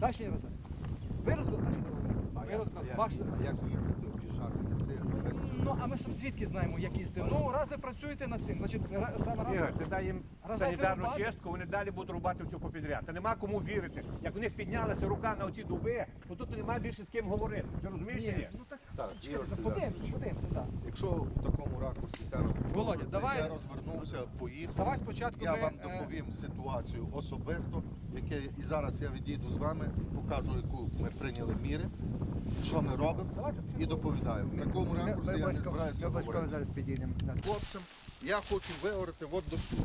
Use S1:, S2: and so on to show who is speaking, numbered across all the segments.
S1: Наші не розбили. Ви розбили наші дороги. Ви розбили.
S2: А як їхати, об'їжджати ліси?
S1: Ну, а ми сам звідки знаємо, як їздити? Ну, раз ви працюєте над цим, значить, саме раз...
S3: Ігор, ти дай їм
S1: Раз
S3: санітарну
S1: рубати.
S3: чистку, вони далі будуть рубати всю попідряд. Та нема кому вірити. Як у них піднялася рука на оці дуби, то тут немає більше з ким говорити. Ти розумієш чи ні?
S1: Ну так,
S2: Так,
S1: чекайте,
S2: Ігор
S1: подивимося, так.
S2: Якщо в такому ракурсі
S1: Володя, давай-
S2: я розвернувся, поїхав.
S1: Давай спочатку
S2: я
S1: ми,
S2: вам доповім ситуацію особисто, і зараз я відійду з вами, покажу, яку ми прийняли міри, що ми робимо, і доповідаю. В такому ракурсі я не збираюся говорити.
S4: зараз підійдемо.
S2: Хлопцям, я хочу виговорити от до суду.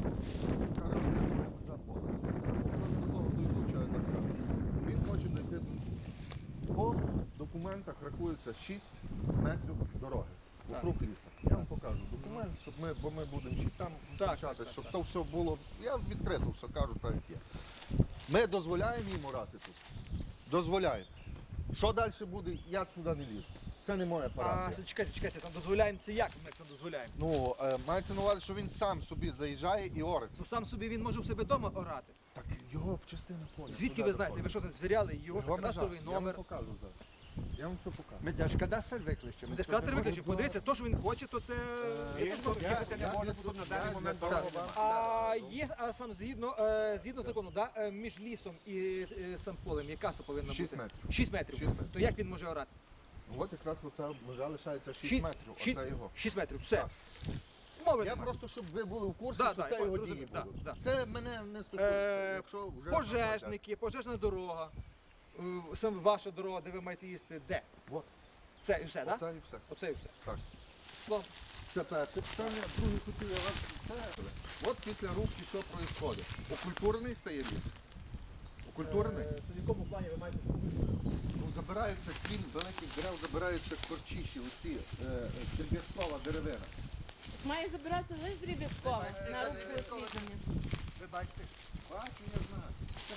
S2: Він хоче дойти. По документах рахується 6 метрів дороги. Вокруг лісу. Я вам покажу документ, бо ми будемо чи там почати, щоб то все було. Я відкрито все кажу, так як є. Ми дозволяємо їм орати тут. Дозволяємо. Що далі буде, я сюди не лізу. Це не моя
S1: А,
S2: парафія.
S1: чекайте, там дозволяємо це як ми це дозволяємо?
S2: Ну, мається на увазі, що він сам собі заїжджає і ориться.
S1: Ну сам собі він може у себе вдома орати.
S2: Так його частина поля.
S1: Звідки ви знаєте? Ви що це звіряли? Його кадастровий
S2: Я вам
S1: номер.
S2: покажу зараз. Я вам все покажу.
S4: Ми Держкадастр викличемо.
S1: Держкадастр виключив. Подивіться, то, що він хоче, то це...
S3: Він тут їхати не може, бо тут на даний момент дорога.
S1: А сам згідно закону, да, між лісом і сам полем, яка це повинна бути?
S2: 6 метрів.
S1: 6 метрів.
S2: 6 метрів.
S1: То як він може орати?
S2: От якраз оця межа лишається 6 метрів. Оце його.
S1: 6 метрів, все.
S2: Так.
S1: Мови
S2: Я
S1: немає.
S2: просто, щоб ви були в курсі,
S1: Да,
S2: що
S1: да,
S2: це
S1: я
S2: його
S1: зрозумів,
S2: дії
S1: да,
S2: будуть.
S1: да.
S2: Це мене не стосується. Якщо вже
S1: Пожежники, пожежна дорога, саме ваша дорога, де ви маєте їсти, де?
S2: От.
S1: Це і все, так?
S2: Оце і все.
S1: Оце і все.
S2: Так.
S1: Ну,
S2: Це перше питання, друге хотів я вас сказати. От після рубки що відбувається? Окультурений стає ліс. Окультурений.
S1: Це в якому плані ви маєте?
S2: Ну, забираються крім великих дерев, забираються корчіші, оці дріб'язкова деревина.
S5: Має забиратися лише дріб'язково на рубку освітлення.
S4: Ви бачите?
S2: Бачу, я знаю.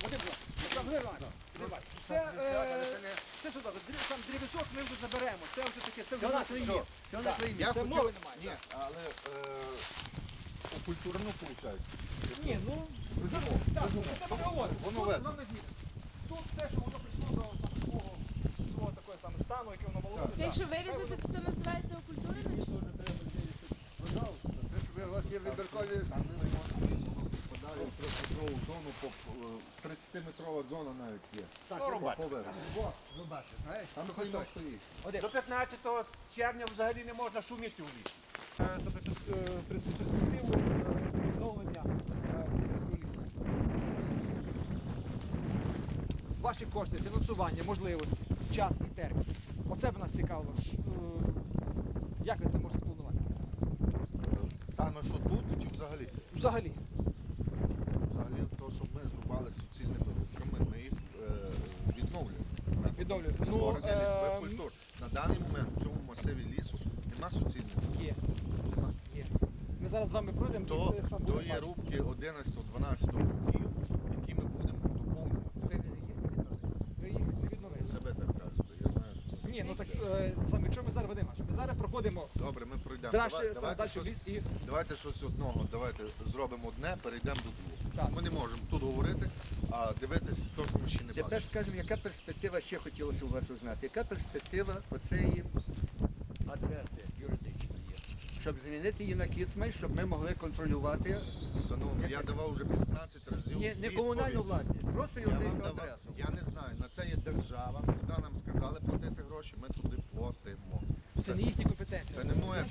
S1: Це сюди, там дрібісок ми вже заберемо. Це вже таке, це вже
S4: Що у
S1: наше.
S4: нас є? Що у нас є?
S1: Це мови немає.
S2: Ні, але окультурено виходить.
S1: Ні, ну, так, це ми говоримо.
S2: Воно
S1: Тут
S2: видно.
S1: з вами згідно. Тут все, що воно прийшло до свого такого саме стану, яке воно молоде.
S5: Це якщо вирізати, то це називається окультурення?
S4: У вас є вибіркові.
S2: Там не можна подалі в 30-метрову зону, 30-метрова зона навіть є.
S3: Так, рубати.
S2: Поверху.
S4: Ви бачите, знаєш?
S2: Там хто стоїть.
S3: До 15 червня взагалі не можна шуміти у лісі.
S1: Перспективу відновлення ваші кошти, фінансування, можливості, час і термін. Оце б нас цікавило. Як ви це можете спланувати?
S2: Саме що тут чи взагалі?
S1: Взагалі.
S2: Взагалі то, щоб ми зрубали суцільні дороги, ми їх відновлюємо.
S1: Відновлюєте.
S2: Створення лісових культур. На даний момент в цьому масиві лісу нема суцільних.
S1: Є. Є. Ми зараз з вами пройдемо і сам
S2: То
S1: будемо
S2: є
S1: бачити.
S2: рубки 11-12 років, які ми будемо доповнювати.
S1: Ви їх не відновили.
S2: Себе так кажете, я знаю, що...
S1: Ні, ну так саме, якщо ми зараз ведемо, ми зараз проходимо
S2: Добре, ми пройдемо.
S1: далі в ліс і
S2: Давайте щось одного, давайте зробимо одне, перейдемо до двох.
S1: Так.
S2: Ми не можемо тут говорити, а дивитись то, що ми ще не
S4: Тепер
S2: бачимо.
S4: скажемо, яка перспектива ще хотілося у вас узнати? Яка перспектива оцеї адреси юридичної є? Щоб змінити її на Кіцмаль, щоб ми могли контролювати
S2: Шановні, я давав вже 15 разів.
S4: не
S2: відповідь.
S4: комунальну власність, просто
S2: Я вам
S4: юридичну
S2: давав.
S4: адресу.
S2: Я не знаю, на це є держава. Куди нам сказали платити гроші, ми туди платимо.
S1: це не їхні компетенції.
S2: Це не моя.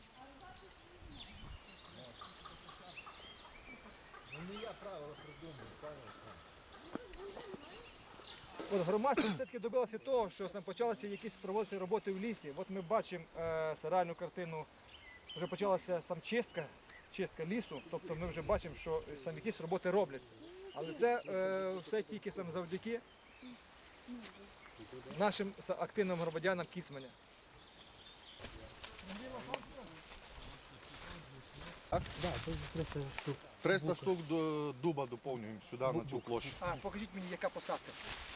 S1: От громадськість все-таки добилася того, що сам почалися якісь проводитися роботи в лісі. От ми бачимо реальну картину, вже почалася сам чистка лісу, тобто ми вже бачимо, що сам якісь роботи робляться. Але це все тільки сам завдяки нашим активним громадянам Кіцманя.
S2: 300 штук до дуба доповнюємо сюди, на цю площу.
S1: А, покажіть мені, яка посадка.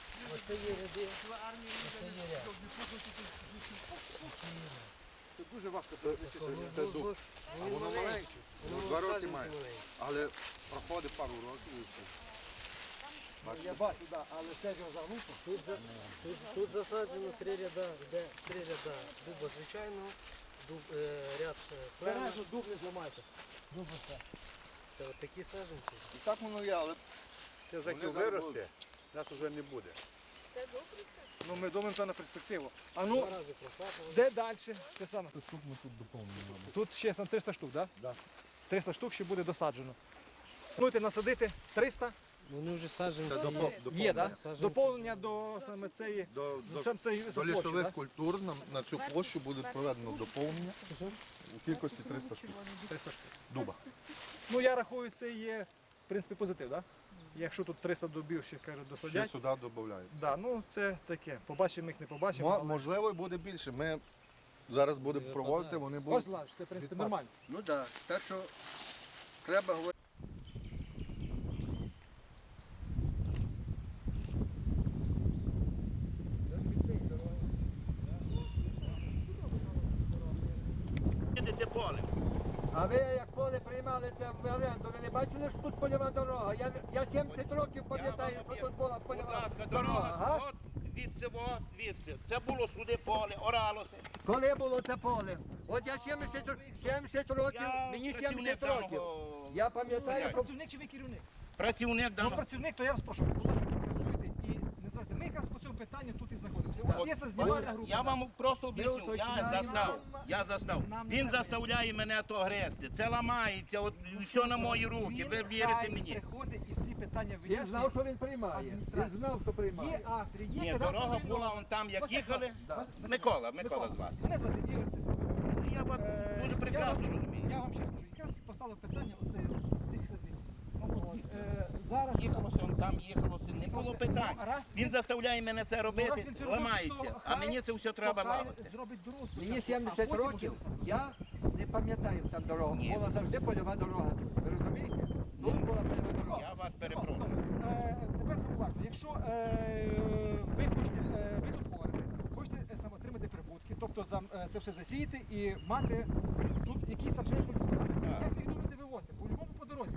S1: Це дуже важко перелічити.
S2: Це дуб. А воно маленьке. 2 роки має. Але проходить пару років і все.
S1: Я бачу, да, але це ж заглухо.
S6: Тут засаджено 3 ряда, де 3 ряда дуба звичайного, ряд клена.
S1: Бережно дуб не зламайте. Дуб все.
S6: Це от такі саджанці.
S2: І так воно є, але
S3: Це
S2: Вони
S3: заків
S2: зараз
S3: виросте, нас вже не буде.
S1: Ну ми думаємо це на перспективу. А ну,
S6: Два рази просапували.
S1: де далі? Те саме.
S2: тут ми тут доповнюємо.
S1: Тут ще сам 300 штук, так?
S2: Да.
S1: 300 штук ще буде досаджено. Плануєте насадити 300?
S6: Вони вже саджанці.
S1: Є, так?
S6: Саджанці.
S1: Доповнення до саме цієї. Сам цей
S2: До
S1: площі,
S2: лісових
S1: да?
S2: культур на цю площу буде проведено доповнення у кількості 300 штук
S1: 300 штук.
S2: дуба.
S1: Ну я рахую, це є в принципі позитив, так? Якщо тут 300 дубів ще кажуть
S2: Ще
S1: досадять.
S2: сюди додають.
S1: Да, ну це таке. Побачимо їх, не побачимо. але-
S2: Можливо, і буде більше. Ми зараз будемо проводити, вони
S1: Ось
S2: будуть.
S1: Лаш, це в принципі
S2: відпад.
S1: нормально.
S4: Ну так, так що треба говорити.
S7: Їдете полем.
S4: А ви як поле приймали це в оренду, ви не бачили, що тут польова дорога? Я 70 років пам'ятаю, що тут була
S7: Будь
S4: польова
S7: ласка,
S4: дорога.
S7: дорога,
S4: га?
S7: от звідси. Це було сюди поле, оралося.
S4: Коли було це поле? От я 70 років,
S7: Я
S4: мені
S7: працівник
S4: 70 років.
S7: даного-
S4: Я пам'ятаю, що
S1: Працівник чи ви керівник?
S7: Працівник
S1: Ну,
S7: даного.
S1: працівник, то я вас прошу, будь ласка, працюйте і не зважайте. Ми якраз по цьому питанню тут і знаходимося. От є це знімальна група.
S7: Я вам просто об'ясню,
S4: Ми
S7: я
S4: уточняємо.
S7: застав.
S1: Нам не
S7: Він
S1: треба.
S7: заставляє мене то грести. Це ламається, от все на мої руки, ви вірите
S1: хай
S7: мені.
S1: приходить і ці питання
S4: він
S1: вияснює.
S4: знав, що він приймає. Він
S1: Адміністрація.
S4: знав, що приймає.
S1: Є автори, є
S7: Ні,
S1: кадастрові
S7: дорога
S1: номери.
S7: була вон там, як
S1: Ось
S7: їхали.
S1: так.
S7: Микола звати.
S1: Мене звати Ігор Цисаренко.
S7: Я вас дуже прекрасно розумію.
S1: Я вам ще скажу, якраз поставив питання оце цих сервісів. Зараз
S7: Їхалося, он там їхалося, не було питань.
S1: Раз
S7: Він заставляє мене це
S1: раз
S7: робити,
S1: він це робить,
S7: ламається,
S1: то
S7: а
S1: хай-
S7: мені це все треба
S1: то хай
S7: ламати.
S1: зробить дорогу
S4: Мені
S1: спочатку, а
S4: 70
S1: потім
S4: років,
S1: уже сам.
S4: я не пам'ятаю там дорогу.
S7: Ні.
S4: Була завжди польова дорога тут. Ви розумієте? Тут була польова дорога.
S7: Я вас перепрошую.
S1: Тепер зауважте, якщо ви хочете, ви тут говорите, хочете саме отримати прибутки, тобто це все засіяти і мати тут якийсь сам через культуру. Як ви їх думаєте вивозити? По-любому по дорозі.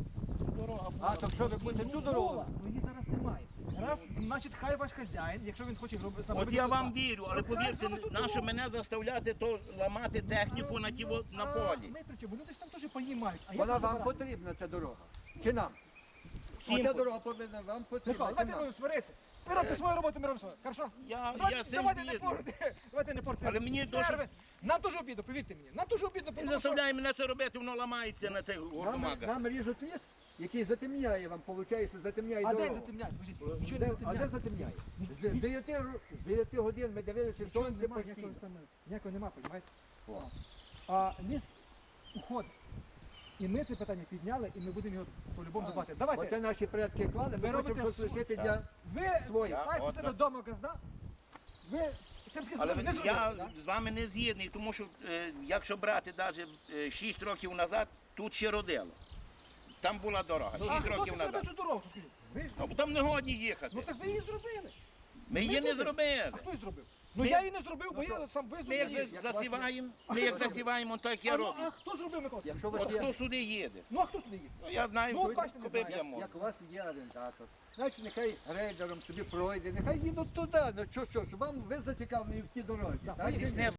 S4: А, то що ви будете цю дорогу?
S1: Ну її зараз немає. Раз, значить, хай ваш хазяїн, якщо він хоче робити саме.
S7: От
S1: робити
S7: я
S1: тут
S7: вам
S1: так.
S7: вірю, але
S1: Ну, хай
S7: повірте,
S1: зробить тут
S7: нащо
S1: дорогу.
S7: мене заставляти то ламати техніку на на полі.
S1: Ми при чому? Люди ж там теж паї мають. А як
S4: Вона
S1: тут
S4: вам
S1: забирати?
S4: потрібна ця дорога? Чи нам?
S7: Всім
S4: Оця
S7: по-
S4: дорога повинна вам потрібна.
S1: Микола,
S4: Чи
S1: давайте
S4: нам?
S1: будемо сваритися. Ви робите свою роботу, ми робимо свою. Хорошо?
S7: Я з цим
S1: Давайте не
S7: згідний.
S1: порти. Давайте не порти.
S7: Але мені дуже-
S1: нерви. Нам дуже обідно, повірте мені. Нам дуже обідно,
S7: Він
S1: тому що...
S7: заставляє мене це робити, воно ламається на цих
S4: Нам,
S7: гуртомаках.
S4: нам ріжуть ліс, який затемняє вам, виходить, затемняє
S1: А
S4: дорогу.
S1: день затемняють, скажіть, нічого не
S4: А де
S1: затемняє.
S4: затемняє? З 9 годин ми дивилися сонце
S1: Немає
S4: постійно.
S1: ніякого нема, розумієте? А ліс уходить. І ми це питання підняли, і ми будемо його по-любому дбати.
S4: Оце
S1: Давайте,
S4: наші предки клали,
S1: Ви
S4: ми хочемо
S1: робите
S4: щось лишити для...
S1: ви
S4: свої.
S1: маєте
S7: от
S1: себе
S7: так.
S1: вдома газда, ви цим таки
S7: Але
S1: не зробили,
S7: я
S1: да?
S7: з вами не згідний, тому що якщо брати навіть 6 років назад, тут ще родило. Там була дорога, 6
S1: А хто
S7: років
S1: це зробив
S7: назад.
S1: цю дорогу, скажіть? Ви ж?
S7: Ну, там не годні їхати.
S1: Ну так ви її зробили.
S7: Ми її не зробили.
S1: А хто її зробив? Ну я її не зробив, бо я сам
S7: Ми
S1: визнав
S7: як
S1: її.
S7: засіваємо,
S1: А
S7: ми
S1: хто
S7: як
S1: зробив?
S7: засіваємо, так я
S1: А, ну,
S7: роблю.
S1: а хто зробив, Микола?
S4: Якщо у вас
S7: От
S4: є...
S7: хто сюди їде?
S1: Ну а хто сюди їде?
S7: Ну, я знаю,
S1: Ну, бачите, не
S7: куди б
S1: знаю.
S7: я мог.
S4: Як у вас є орендатор, значить нехай рейдером собі пройде, нехай їдуть туди, ну що ж, вам ви зацікавлені в тій дорозі.
S1: Да,
S4: так чи ні?
S7: Не